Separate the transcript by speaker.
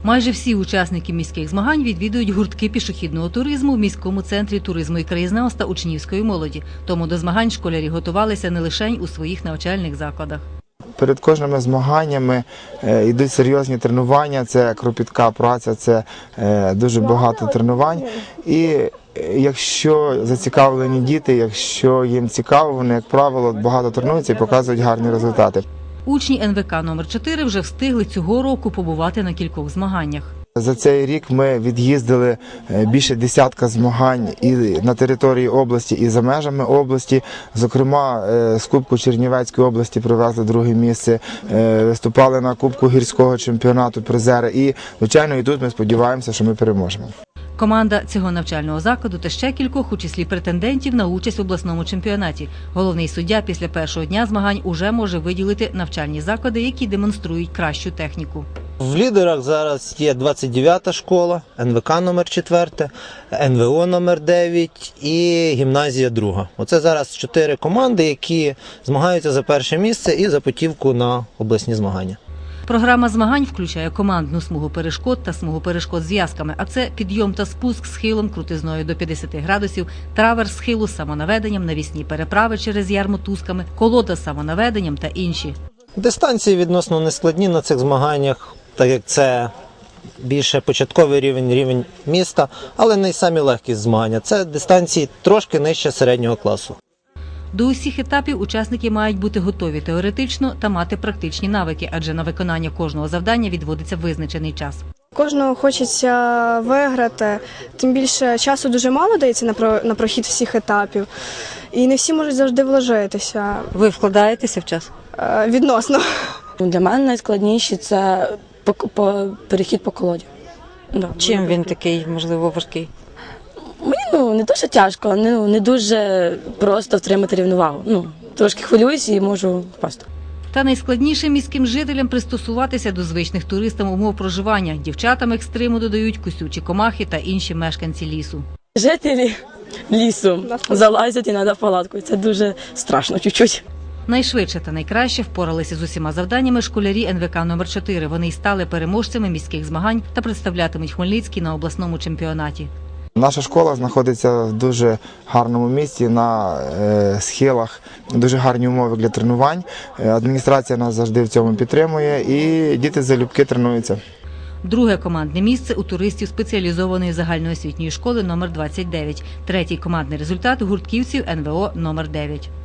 Speaker 1: Майже всі учасники міських змагань відвідують гуртки пішохідного туризму в міському центрі туризму і краєзнавства учнівської молоді. Тому до змагань школярі готувалися не лише у своїх навчальних закладах.
Speaker 2: Перед кожними змаганнями йдуть серйозні тренування, це кропітка праця, це дуже багато тренувань. І якщо зацікавлені діти, якщо їм цікаво, вони, як правило, багато тренуються і показують гарні результати.
Speaker 1: Учні НВК номер 4 вже встигли цього року побувати на кількох змаганнях.
Speaker 2: За цей рік ми від'їздили більше десятка змагань і на території області, і за межами області. Зокрема, з Кубку Чернівецької області привезли друге місце, виступали на Кубку гірського чемпіонату призери. І, звичайно, і тут ми сподіваємося, що ми переможемо.
Speaker 1: Команда цього навчального закладу та ще кількох у числі претендентів на участь в обласному чемпіонаті. Головний суддя після першого дня змагань уже може виділити навчальні заклади, які демонструють кращу техніку.
Speaker 3: В лідерах зараз є 29-та школа, НВК номер 4, НВО номер 9 і гімназія 2. Оце зараз 4 команди, які змагаються за перше місце і за путівку на обласні змагання.
Speaker 1: Програма змагань включає командну смугу перешкод та смугу перешкод з в'язками, а це підйом та спуск схилом крутизною до 50 градусів, траверс схилу з самонаведенням, навісні переправи через яр мотузками, колода з самонаведенням та інші.
Speaker 3: Дистанції відносно нескладні на цих змаганнях, так як це більше початковий рівень міста, але не й самі легкі змагання. Це дистанції трошки нижче середнього класу.
Speaker 1: До усіх етапів учасники мають бути готові теоретично та мати практичні навики, адже на виконання кожного завдання відводиться визначений час.
Speaker 4: Кожного хочеться виграти, тим більше часу дуже мало дається на прохід всіх етапів, і не всі можуть завжди вложитися.
Speaker 1: Ви вкладаєтеся в час?
Speaker 4: Відносно.
Speaker 5: Для мене найскладніше – це перехід по колоді.
Speaker 1: Чим він такий, можливо, важкий?
Speaker 5: Мені не дуже тяжко, не дуже просто втримати рівновагу. Трошки хвилююсь і можу впасти.
Speaker 1: Та найскладніше міським жителям пристосуватися до звичних туристам умов проживання. Дівчатам екстриму додають кусючі комахи та інші мешканці лісу.
Speaker 5: Жителі лісу залазять і треба в палатку. Це дуже страшно чуть-чуть.
Speaker 1: Найшвидше та найкраще впоралися з усіма завданнями школярі НВК номер 4. Вони й стали переможцями міських змагань та представлятимуть Хмельницький на обласному чемпіонаті.
Speaker 2: Наша школа знаходиться в дуже гарному місці, на схилах, дуже гарні умови для тренувань. Адміністрація нас завжди в цьому підтримує і діти залюбки тренуються.
Speaker 1: Друге командне місце у туристів спеціалізованої загальноосвітньої школи номер 29. Третій командний результат у гуртківців НВО номер 9.